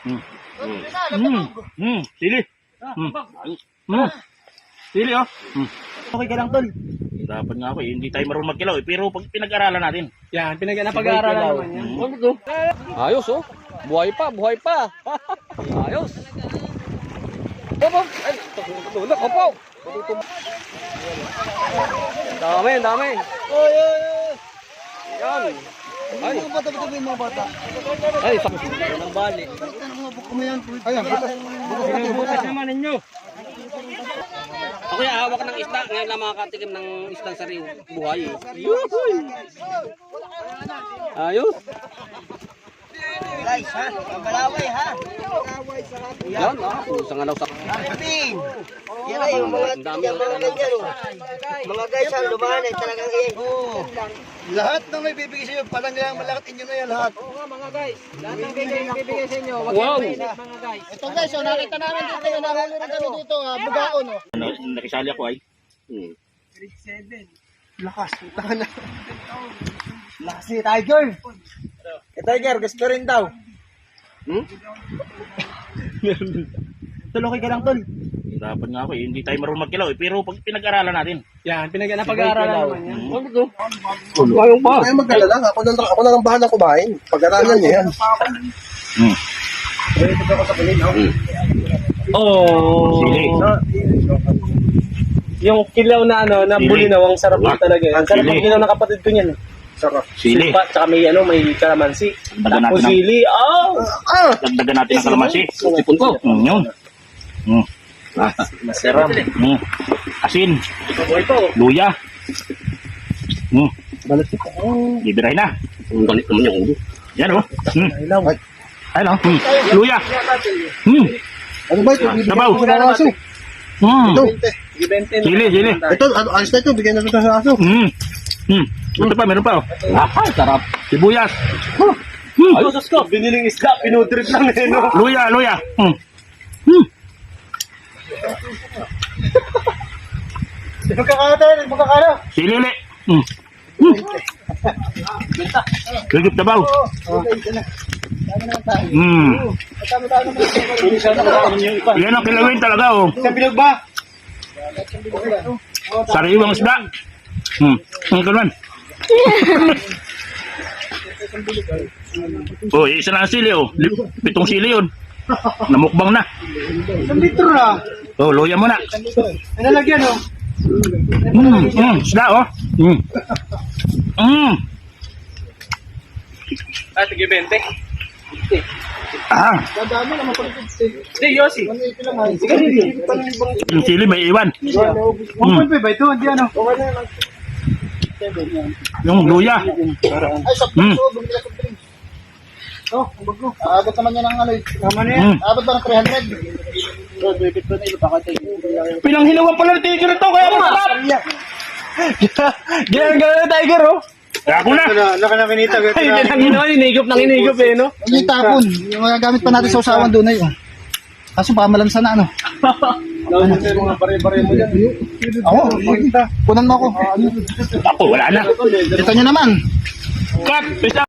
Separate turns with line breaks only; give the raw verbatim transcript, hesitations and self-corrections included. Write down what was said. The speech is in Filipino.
Hmm. Hmm. Hmm. Sili. Hmm. Hmm. Sili oh. Hmm.
Okay ka lang, tol.
Dapat nga ako eh. Hindi tayo marunong magkilaw eh. Pero pag pinag-aralan natin.
Yan, pinag napag-aaralan naman yan.
Hmm.
Ano to? Ayos oh. Buhay pa, buhay pa. Ayos. Opo. Ay, tulak opo. Dami, dami.
Oy, oy, oy.
Yan. Ay,
Mga bata, bata, mga bata.
ay, sa ng bali.
Ayan,
Bukas naman ninyo. Ako yung hawak ng isda. Ngayon lang makakatikim ng isdang sariw. Buhay eh. Yuhuy! Ayos.
guys, ha? Mamalaway, ha?
Yan ah. Sa ngalaw sa...
Pin! Yan ay, yung mga,
Ang dami.
yung mga ganyan, oh. Mga guys, ha? Lumahan eh, talagang eh. Oo. Lahat na may bibigay sa inyo, parang lang malakit inyo na yan lahat.
Oo nga mga guys, lahat ng bibigay, bibigay sa inyo, wag
Wow.
wow. Mga guys.
Ito guys, oh, nakita namin dito yung nahuli rin kami dito, ha? Bugaon, oh.
Ano, nakisali ako ay.
Hmm.
Lakas, tahan na. Lakas si Tiger. Eh, Tiger, gusto rin daw.
Hmm?
Tuloy ka lang, tol.
Dapat nga ako eh. Hindi tayo marunong magkilaw eh. Pero pag pinag-aralan natin.
Yan, pinag napag-aaralan naman yan.
Hmm.
Ano to? Ayong pa.
Ay, magdala lang. Ako na, ako na lang bahala kumain. Pag-aralan niya yan.
Hmm.
Oh.
Sili.
Yung kilaw na ano, na
Sili.
bulinaw, ang sarap
Wala.
din talaga. Ang sarap
Sili.
ng kilaw ng kapatid ko niyan.
Sarap.
Sili.
Supa, tsaka may ano, may kalamansi.
Dagdagan
Tapos
natin ng,
sili. Oh!
Ah!
dagdagan natin ng kalamansi.
Sipon ko.
Hmm, yun. Hmm.
Masarap.
Hmm. Asin.
Buhay pa, oh.
Luya. Hmm.
Balat ko. Oh.
Bibirahin na.
Ang galit naman yung ulo.
Yan oh. Hmm.
Ilaw.
Ayun oh. Hmm. Luya. Hmm.
Ano ba ito? Bibigyan
Sabaw.
ko sa aso.
Hmm.
Ito.
Sili, sili.
Ito, ano, ayos na ito. Bigyan na ito sa aso.
Hmm. Hmm. Ito pa, meron pa oh.
Ah, sarap.
Sibuyas. Hmm.
Ay, sus ko. Biniling isda. Pinudrip lang eh, no?
Luya, luya. Hmm. Hmm.
Magkakata, magkakala.
Sili ulit. Hmm. Hmm. Gagip tabaw. Hmm. Yan ang kilawin talaga oh.
Isang bilog ba?
Sariwang isda. Hmm. Ang kanuan. Oh, isa na ang sili oh. Lim- Pitong sili yun. Namukbang na.
Isang litro na.
Oh, luya mo na.
Ano nalagyan, oh?
Hmm. Hmm. Isda oh. Hmm. Hmm.
Ah, tige bente.
Ah.
Dadami naman pala ito. Hindi, Yossi. Sige,
Yung sili may iwan.
one point five ba ito? Hindi ano?
Yung luya.
Ay, sa
Hmm.
puso, bumili sa drinks. Oh, ang bago. Aabot naman yan ng ano eh. Tama na yan.
Hmm.
Aabot ba ng three hundred? So, bibit ko na ilo pa kayo.
Pinanghilawan pala ng tiger ito kaya masarap.
Ganyan ganyan na Tiger, oh.
Kaya ako na.
Laka na kinita. Ay, ganyan ginawa, inigop ng inigop eh, no?
Yung tapon. Yung mga gamit pa natin sa usawan doon na yun. Kaso pamalansa na ano.
Mga pare-pare mo yan.
Ako, punan mo ako.
Ako, wala na.
Ito nyo naman.
Cut! Peace out.